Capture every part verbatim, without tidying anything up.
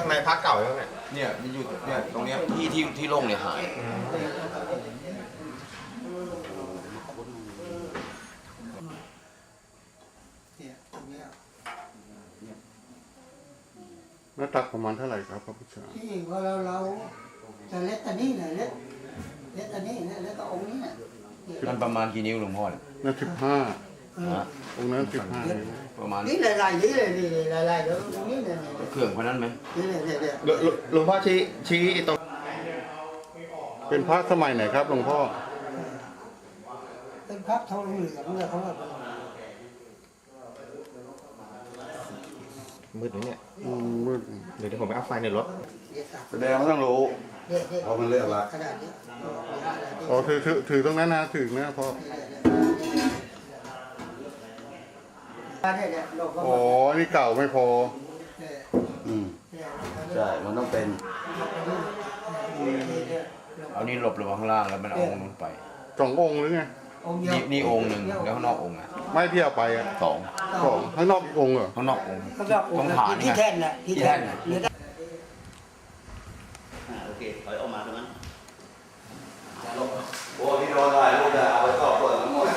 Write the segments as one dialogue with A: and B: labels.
A: ไมพระเก่าแล้วเนี่ย
B: เนี่ยมันอยู่เนี่ยตรงเนี้ยที่ที่ที่โล่งเนี่ยหาย
C: หน้าตักประมาณเท่าไหร่ครับพระพุทธเจ้า
D: ที่ว่าเราเราจะเล็กอันนี้เนี่ยเล็กเล็กอันนี้เนี่ยแล้วก็องค์นี้เนี่ย
B: มันประมาณกี่นิ้วหลวงพ่อเนี่ย
C: นั่นสิบห้าองค์นั้นสิบห้า
B: ประมาณ
D: นี่หลายๆนี่เลยนี่หลายๆเดี๋ยวตรงนี้เนี่ย
B: เครื่องคนนั้นไหม
D: นี่เนี่ยเนี่ย
A: หลวงพ่อชี้ชี้ตรง
C: เป็นพระสมัยไหนครับหลวงพ่อ
D: เป็นพระทองเหลืองเลยเขาว่า
A: มืดไหมเนี่ย
C: มืด
A: เดี๋ยวผมไปเอาไฟในรถ
C: แสดงว่าต้องรู้
D: เพราะมันเลือกละ
C: อ๋อถือถือถือตรงนั้นนะถือนะพ่ออ๋อนี่เก่าไม่พอ
B: อืมใช่มันต้องเป็นเอานี่หลบลงข้างล่างแล้วมันเอาองค์นู้นไป
C: สององค์หรือไง
B: นี่นี่องค์หนึ่งแล้วข้างนอกองค์อ่ะ
C: ไม่เที่ยวไปอ่ะ
B: สอง
C: สองข้างนอกอีกองค์เหรอ
B: ข้างนอกองค์
D: ตรงฐานที่แท่นน่ะ
B: ที่แท่นน่ะ
E: โอเคถอยออกมาตรงนั้น
B: โอ้ที่โดนได้ลูกจะเอาไปสอบสวนทั้งหมด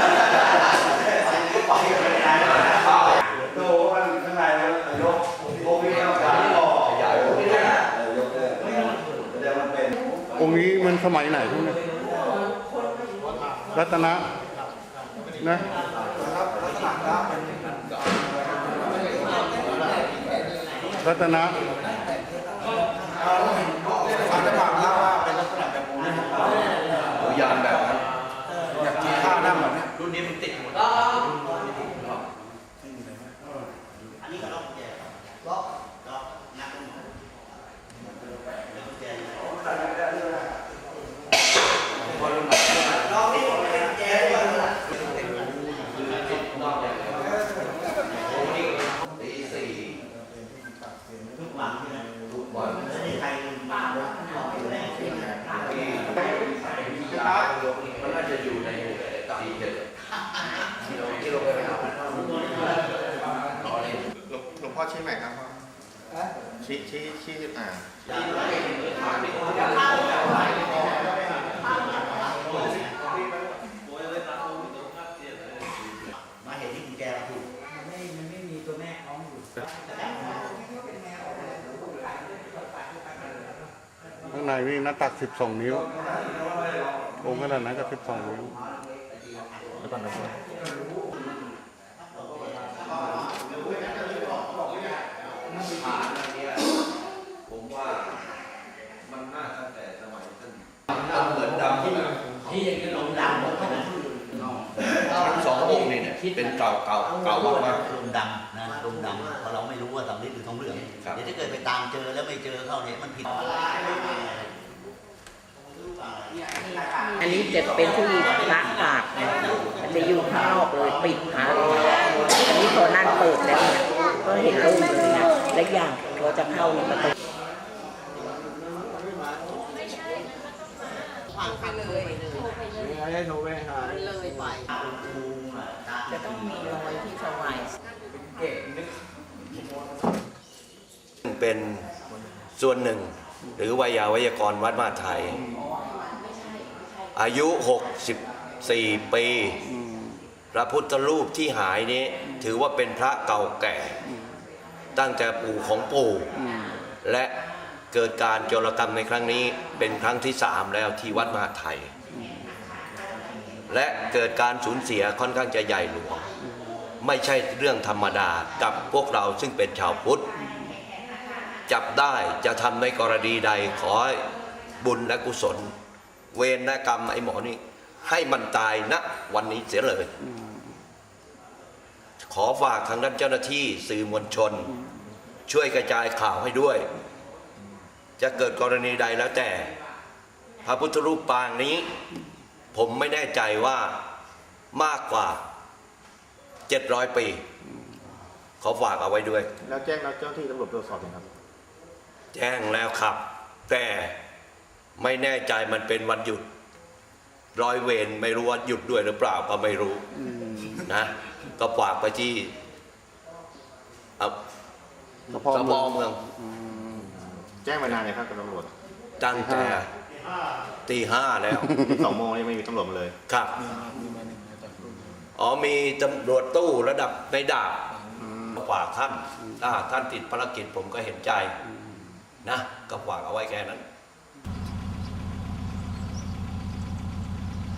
B: ไปกันไม่ได้โตมันข้างในมันยกโบวี่ต้องการต่อใหญ่ไม่ได้ยกเลยแสดงมันเป็น
C: องค์นี้มันสมัยไหนทุกเนี่ยรัตนะนะรัตนะ
A: อาจจะบอกว่าเป็นลักษณะแบบนี้
B: ยานแบบนั้น
A: อยากกินข้าวนั่งแบบนี้
B: รุ่นนี้มันติดหมด
E: อันนี้ก็ล็อกแกล็อกล็อกนักแกล็อกนี่เป็นแก
B: ตีสี่
E: ทุกวันใช่ไหม
B: ทุกวัน
E: ไม่ได้ใครมาอยู่ในที่ไหน
B: มันน่าจะอยู่ในสี่เจ็ดที่เราที่เราไปหา
A: หลวงพ่อชี้ใหม่ครับชี้ชี้ชี้อ่า
E: มาเห็นที่คุณแกถูก
D: ไม่มันไม่มีตัวแม่ของอยู่
C: ข้างในนี่หน้าตักสิบสองนิ้วองค์ขนาดนั้นก็สิบสองนิ้ว
A: แล้วก่อนนะ
B: ผมว่ามันน่าตั้งแต่สมัยท่านมันเหมือนดำที่
E: ที่อย่างนี้ลงดำหมดนะ
B: ทั้งสององค์นี่เนี่ยเป็นเก่าเก่าเก่ามากมาก
E: ลงดำนะลงดำเพราะเราไม่รู้ว่าสำลิดหรือทองเหลืองเดี๋ยวถ้าเกิดไปตามเจอแล้วไม่เจอเข้าเนี่ยมันผิด
F: อันนี้จะเป็นที่พระปากมันจะอยู่ข้างนอกเลยปิดหาอันนี้พอนั่นเปิดแล้วเนี่ยก็เห็นโล่งเลยนะและอย่างเราจะเข้าในประตู
A: ให้โทรไปหา
F: เลยไปจะต้องมีรอยที่สวาย
G: เป็นส่วนหนึ่งหรือวิยาวิยากรวัดมหาไทยอายุหกสิบสี่ปีพระพุทธรูปที่หายนี้ถือว่าเป็นพระเก่าแก่ตั้งแต่ปู่ของปู่และเกิดการโจรกรรมในครั้งนี้เป็นครั้งที่สามแล้วที่วัดมหาไทยและเกิดการสูญเสียค่อนข้างจะใหญ่หลวงไม่ใช่เรื่องธรรมดากับพวกเราซึ่งเป็นชาวพุทธจับได้จะทำในกรณีใดขอให้บุญและกุศลเวรและกรรมไอ้หมอนี่ให้มันตายณวันนี้เสียเลยขอฝากทางด้านเจ้าหน้าที่สื่อมวลชนช่วยกระจายข่าวให้ด้วยจะเกิดกรณีใดแล้วแต่พระพุทธรูปปางนี้ผมไม่แน่ใจว่ามากกว่าเจ็ดร้อยปีขอฝากเอาไว้ด้วย
A: แล้วแจ้งแล้วเจ้าที่ตำรวจตรวจสอบยังครับ
G: แจ้งแล้วครับแต่ไม่แน่ใจมันเป็นวันหยุดร้อยเวรไม่รู้ว่าหยุดด้วยหรือเปล่าก็ไม่รู้นะก็ฝากไปที่สพเมือง
A: จ้งมานานเลยครับกับตำรวจ
G: ตั้งแต่ตีห้าแล้ว
A: สองโมงยังไม่มีตำรวจมาเลย
G: ครับ อ๋อมีตำรวจตู้ระดับในดาบกว่าท่านถ้าท่านติดภารกิจผมก็เห็นใจนะก็ฝากเอาไว้แค่นั้น